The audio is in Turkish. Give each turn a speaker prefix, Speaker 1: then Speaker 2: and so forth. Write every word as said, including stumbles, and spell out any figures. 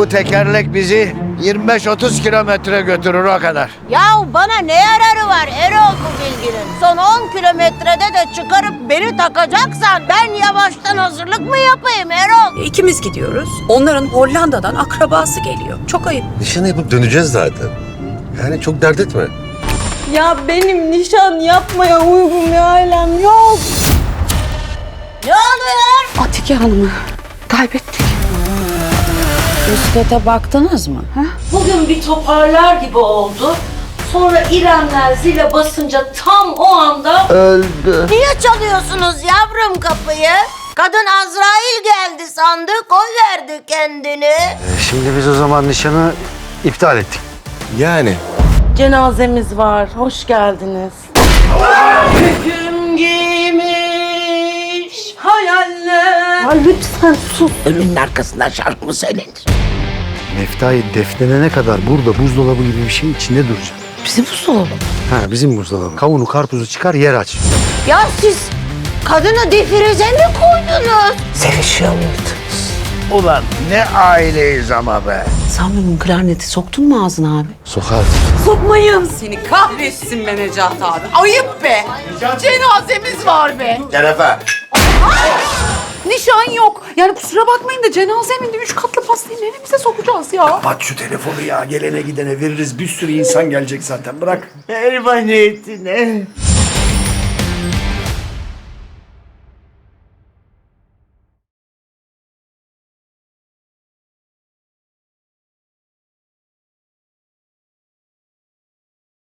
Speaker 1: Bu tekerlek bizi yirmi beş otuz kilometre götürür o kadar.
Speaker 2: Ya bana ne yararı var Erol bu bilginin? Son on kilometrede de çıkarıp beni takacaksan ben yavaştan hazırlık mı yapayım Erol?
Speaker 3: İkimiz gidiyoruz. Onların Hollanda'dan akrabası geliyor. Çok ayıp.
Speaker 4: Nişanı yapıp döneceğiz zaten. Yani çok dert etme.
Speaker 5: Ya benim nişan yapmaya uygun bir ailem yok.
Speaker 2: Ne oluyor?
Speaker 3: Atike Hanım'ı kaybettik.
Speaker 6: Üst kata baktınız mı? Ha?
Speaker 7: Bugün bir toparlar gibi oldu. Sonra İremler zile basınca tam o anda...
Speaker 2: Niye çalıyorsunuz yavrum kapıyı? Kadın Azrail geldi sandı, koy verdi kendini.
Speaker 1: Şimdi biz o zaman nişanı iptal ettik.
Speaker 4: Yani.
Speaker 7: Cenazemiz var, hoş geldiniz. Hüküm giymiş hayaller.
Speaker 5: Ya lütfen sus.
Speaker 2: Ölünün arkasından şarkı mı söylenir?
Speaker 1: Meftayı defnedene kadar burada buzdolabı gibi bir şey içinde duracak.
Speaker 3: Bizim buzdolabı.
Speaker 1: Ha bizim buzdolabı. Kavunu karpuzu çıkar yer aç.
Speaker 2: Ya siz kadını defirize mi koydunuz?
Speaker 1: Sevişiyor muydunuz? Ulan ne aileyiz ama be.
Speaker 3: Sen bunun klarneti soktun mu ağzına abi?
Speaker 1: Sokar.
Speaker 3: Sokmayın seni kahretsin be Necat abi. Ayıp be. Cenazemiz var be.
Speaker 4: Şerefe.
Speaker 3: Nişan yok. Yani kusura bakmayın da cenazemin de üç katlı pastayı neremize sokacağız ya?
Speaker 8: Aç şu telefonu ya. Gelene gidene veririz. Bir sürü insan gelecek zaten. Bırak.
Speaker 1: Ermaniyetine.